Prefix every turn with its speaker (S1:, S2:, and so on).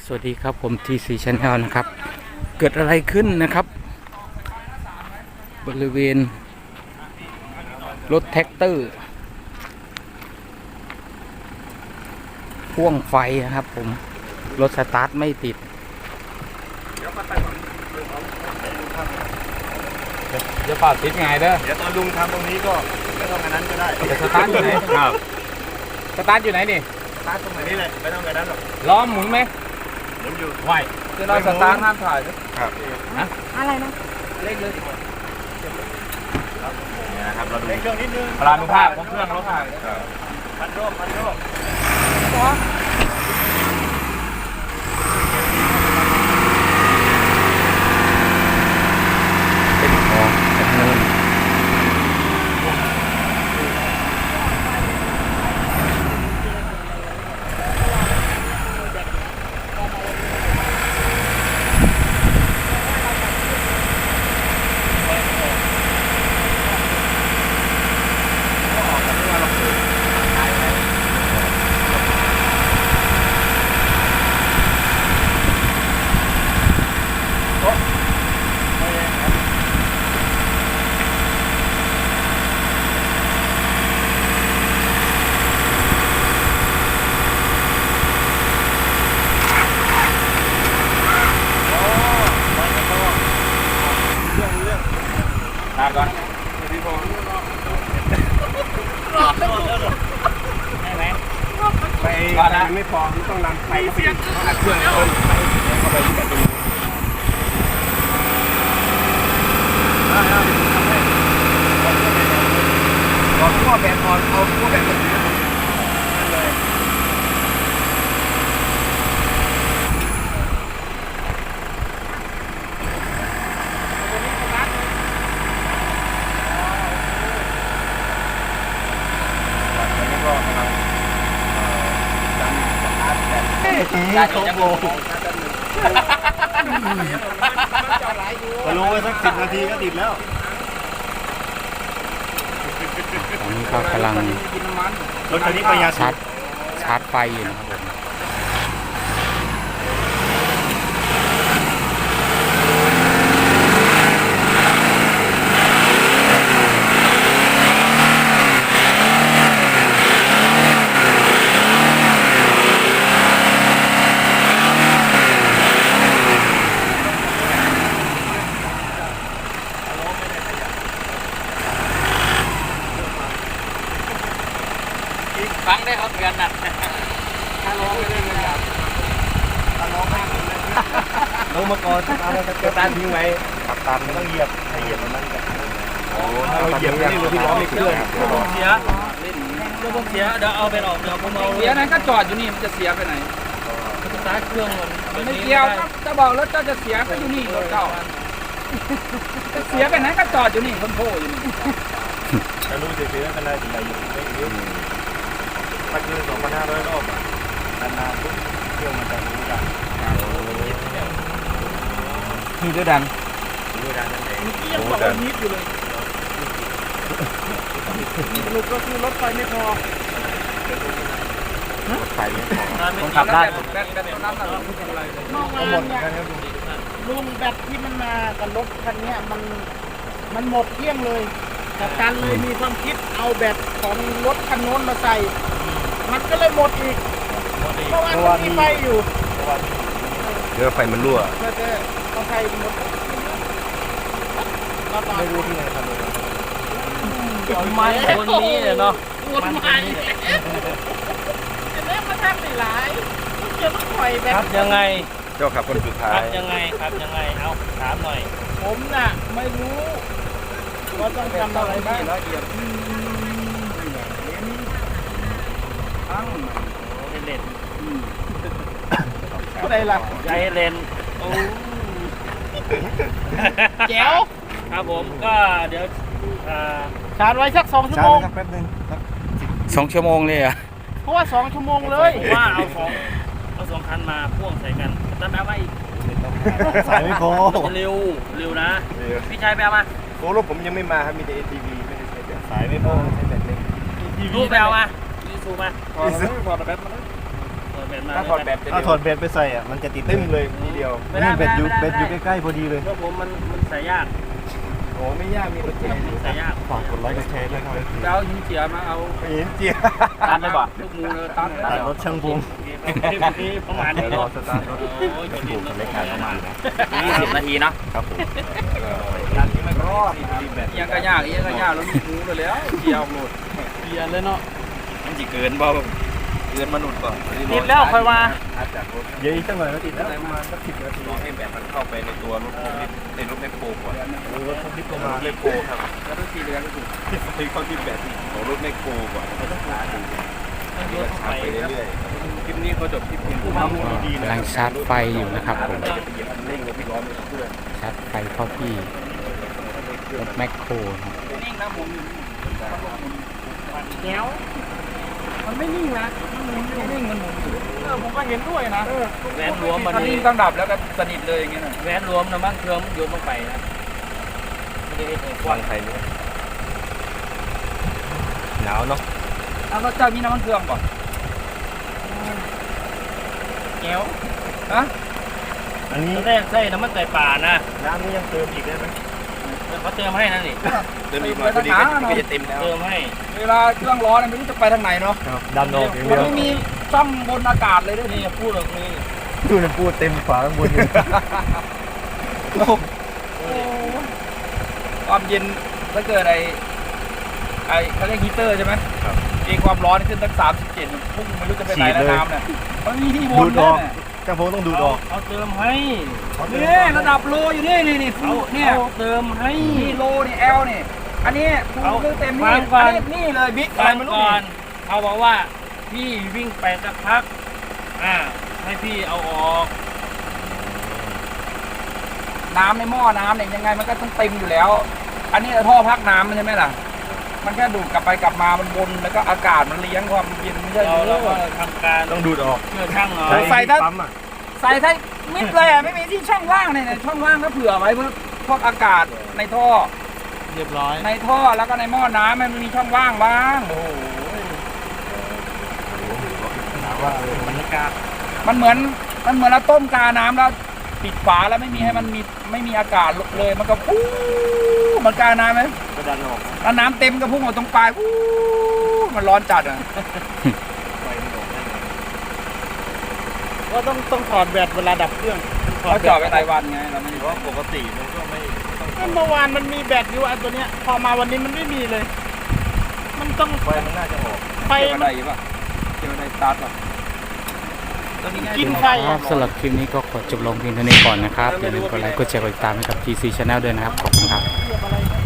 S1: สวัสดีครับผม TC Channel นะครับเกิดอะไรขึ้นนะครับบริเวณรถแท็กเตอร์พ่วงไฟนะครับผมรถสตาร์ทไม่ติดจะเป่าติดไงเด้อ
S2: เดี๋ยวตอนลุงทำตรงนี้ก็ไม่ต้องอันนั้นก็ได้
S1: แต่สตาร์ทอยู่ไหนครับสตาร์ทอยู่ไหนนี่
S2: สตาร์ทตรงไหนนี่เลยไม่ต้องอันนั้นหรอก
S1: ล้อหมุนไหม
S2: หมุนอยู่
S1: ไหวคือเราสตาร์ทห้ามถ่าย
S2: ครับ
S1: นะอะไรนะเล็กเลย
S2: นะครับเราดูเครื่องนิดนึง
S1: พลานุภาพของเครื่องเราถ่าย
S2: พันโรค
S1: เป็นของจำนวนก่อนพี่พงศ์ได้ไหมไปไม่พอต้องนำไปเสียงอัดเครื่องเข้าไปแบบนี้ลองขั้วแบบก่อนเอาขั้วแบบมาถือนั่นเลยได้2 ชั่วโมง
S2: พอลงไปสัก10 นาทีก็ติดแล้ว
S1: ตอนนี้ก็กำลัง
S2: รถคันนี้ประหยัด
S1: ชาร์จไฟอยู่นะครับผมฟังได้เขาเตือนนะถ้าร้องไม่ได้เลยครับ
S2: ถ้าร้องไม่ได้เลยลงมาก่อนสตาร์ททิ้งไว้ขับตามไม่ต้องเหยียบให้เหยียบมันกันโอ้ถ้าเราเหยียบนี่รถที่ล้อไม่เคลื่อน
S3: เสียเดี๋ยวเอาไปออกเดี๋ยวผมเอา
S1: เสียนั้นก็จอดอยู่นี่มันจะเสียไปไหน
S3: สตาร์ทเครื่อง
S1: มันไม่เกี่ยวจะบอกรถเจ้าจะเสียก็อยู่นี่รถเก่าจะเสียไปไหนก็จอดอยู่นี่คนโผล่อยู่นี่
S2: ถ้ารู้เสียๆกันได้ถึงไหนอยู่ไม่เยอะถ้าเกิน2,500 รอบนานๆปุ๊บเครื่องมันจะรู้ดัง
S1: คือด้วยดัน
S2: นั่นเอง
S3: ยังบอกว่านิดอยู่เลยสรุปก็คือรถไฟไม่พอ
S2: รถไฟไม่พอ
S1: ต้องขับได้
S3: มองมาเนี่ยลุงแบตที่มันมากับรถคันนี้มันหมดเกลี้ยงเลยแต่การเลยมีความคิดเอาแบตของรถคันโน้นมาใส่มันก็เลยหมดอีกเพราะว่ามีไฟอยู่
S2: เรือไฟมันรั่ว
S3: เอาไฟหมด
S2: ไม่รู้ที่ไหนทำเลย
S3: มันคนนี้เนาะมันจะเล่นมาทำไม่หลายจะต้องปล่อยแบบครับยังไง
S2: เจ้าขับคนสุดท้าย
S3: ครับยังไงเอาถามหน่อยผมน่ะไม่รู้ว่าต้องทำอะไรบ้างเล่นอะไรล่ะใจเล่นแจ๋วครับผมก็เดี๋ยวชาร์จไว้สัก2 ชั่วโมง
S2: แป๊บนึง
S1: 2 ชั่วโมงเลยอ่ะ
S3: เพราะว่า2 ชั่วโมงเลยว่าเอา2 คันมาพ่วงใส่กันตั้งแต่ว่าอีก
S2: สายไม่พอ
S3: เร็วนะพี่ชายไปเอามา
S2: โอ้รถผมยังไม่มาครับมีแต่ ATV ไม่ได้ใช้แบบสายไม่พอใช้แบบเล็ก
S3: รูปไปเอามาอีซูมา
S2: อีซูพอแบตมาถ้าถอดแบตถ้าถอดแบตไปใส่อ่ะมันจะติดตึ้งเลยทีเดียวนี่แบตอยู่ใกล้ๆพอดีเลย
S3: เพราะผมมันใส่ยาก
S2: โอ้ไม่ยากมีรถเจน
S3: ใส่ยาก
S2: ฝากกดไลค์กดแชร์ด้วยครับ
S1: เอาหินเจียมาเอา
S2: เห็นเจีย
S3: ตัดเลยบ่
S1: ลูกมูเลยตัด
S2: ตัดรถช่างพง
S3: นี่ประมาณ
S2: เดี๋ยวรอสตาร์ทรถ
S3: ช่างพง
S2: เล็กขายประมาณนะ
S3: 20 นาทีเนาะ
S2: ครับผมการที่ไม่รอดแบต
S1: ยังก็ยากยังก็ยากแล้วลูกมูเลยแล้วเจียวหมด
S3: เปลี่ยนเลยเนาะ
S2: มันจะเกินบ่เกินมนุษย์ก่อน
S3: ติดแล้วค่อยว่า
S2: เดี๋ยวอีกสักหน่อยก็ติดแล้วประมาณสัก10 นาทีรอให้แบตมันเข้าไปในตัวรถในรถแมคโครก่อนรถลิฟต์ประมาณแมคโครครับ
S1: แล้วต้องสีเหลืองก็ถูก
S2: ที่เข้าที่แบตของรถแมคโครก่อนแล้วก็ชาร์จดูชาร์จไปเรื่อยๆคลิปนี้เขาจบที่เพียง
S1: กำลังชาร์จไฟอยู่นะครับผม
S2: จะไปเหยียบคันเร่งแล้วพี่ล้อไม่เพื่อน
S1: ชาร์จไฟเข้าที่รถแมคโครนะครับ
S3: นิ่งนะผมแก้วมันไม่นิ่งนะมันนิ่งมันหมุนอยู่ผมก็เห็นด้วยนะแหวนรวมมัน
S1: ถ้านิ่งต้องดับแล้วก็สนิทเลยอย่างเงี้ยนะ
S3: แหวนรวมนะมั้งเครื่องโยนลงไปนะไม่ได้เห็นก
S2: วา
S3: ว้าง
S2: งไทยเนี่ยหนาวเนาะ
S1: เอาแล้วเจ้ามีน้ำมันเครื่องก่อน
S3: แก้ว
S1: ฮะ
S2: อันนี้
S3: แรกใส่น้ำมันไก่ป่านะ
S2: น้ำนี่ยังเติมอีกได้ไหม
S3: เขาเติมให้นั่นนี่
S2: เติมอีกหน่อยพอดีก็จะเต็มแล้ว
S3: เติมให้
S1: เวลาเครื่องร้อนเนี่ยไม่รู้จะไปทางไหนเนาะ
S2: ดันออกอย่าง
S1: มั
S2: เดี
S1: น
S2: ยว
S1: ไม่มีช่องบนอากาศเลยด้วย
S3: นี่
S1: นี่
S3: พูดออกนี่
S2: ดูนะพูดเต็มฝาข้างบนเลย
S1: ความเย็นถ้าเกิดไอเขาเรียกฮีเตอร์ใช่ไหม
S2: ครับ
S1: เองความร้อนขึ้นตั้ง37พุ่งไม่รู้จะไปไหนแล้วน้ำเนี่ยมันมีที่ว
S2: ดู
S1: น
S2: ด
S1: ด้
S2: อ
S1: วย
S2: อก
S1: เนี่ย
S2: จ้างพงต้องดูดออก
S3: เอาเติมให้
S1: นี่ระดับโลอยู่นี่นี่ฟูเนี่ย
S3: เอาเติมให้
S1: นี่โลนี่แอลนี่อันนี้ฟู
S3: เอา
S1: คือเต็ม
S3: ฟั
S1: นี่
S3: งก่อน
S1: อันนี้นี่เลยบิ๊กอะไร
S3: ฟัง
S1: ไม่รู้
S3: ก่อน
S1: นี่
S3: เขาบอกว่าพี่วิ่งไปสักพักให้พี่เอาออก
S1: น้ำในหม้อน้ำเนี่ยยังไงมันก็ต้องเต็มอยู่แล้ว อันนี้ท่อพักน้ำมันใช่ไหมล่ะมันแค่ดูดกลับไปกลับมามันวนแล้วก็อากาศมันเลี้ยงความเย็นไม่ใช่ห
S3: เรา
S1: รือ
S3: แล้วก็ทำการ
S2: ต้องดูดออก
S3: เชื่อช่างเนาะ
S1: ใส่ถ้า
S2: ปั๊มอ่ะ
S1: ใส่ให้มิดเลยอ่ะไม่มีที่ช่องว่างเนี่ยช่องว่างก็เผื่อไว้เพื่อพวกอากาศในท่อ
S3: เรียบร้อย
S1: ในท่อแล้วก็ในหม้อน้ำมันมีช่องว่างบ้างโอ้โห
S2: ว่า
S3: บรรยากาศ
S1: มันเหมือนเราต้มกาน้ำแล้วปิดฝาแล้วไม่มีให้มันมีไม่มีอากาศเลยมันก็ฟูเหมันกาน้ำไหม
S2: ก็ดันออก
S1: แล้วน้ำเต็มก็พุ่งออกตรงปลายฟูมันร้อนจัดอ่ะ
S2: ไฟมันออกได้ไง
S3: ก็ต้องถอดแบตเวลาดับเครื่อง
S1: เขาเจาะไปรายวันไงเราไม่
S2: เพ
S1: ได้
S2: ราะปกติมันก็ไม่ต้อง
S3: เมื่อวานมันมีแบตอยู่อันตัวเนี้ยพอมาวันนี้มันไม่มีเลย มันต้อง
S2: ไฟมันน่าจะออก
S3: ไฟ
S1: เกี่ยวกับ
S3: มั
S1: ใด
S3: น
S1: ป่ะเกี่ยวกับใดสตาร์ทป่ะตัวนี้ไง
S3: กินไฟ
S1: ครับสำหรับคลิปนี้ก็ขอจบลงเพียงเท่านี้ก่อนนะครับอย่าลืมกดไลค์กดแชร์กดติดตามให้กับ GC Channel ด้วยนะครับขอบคุณครับ
S3: เกี่ยวอะไรนะ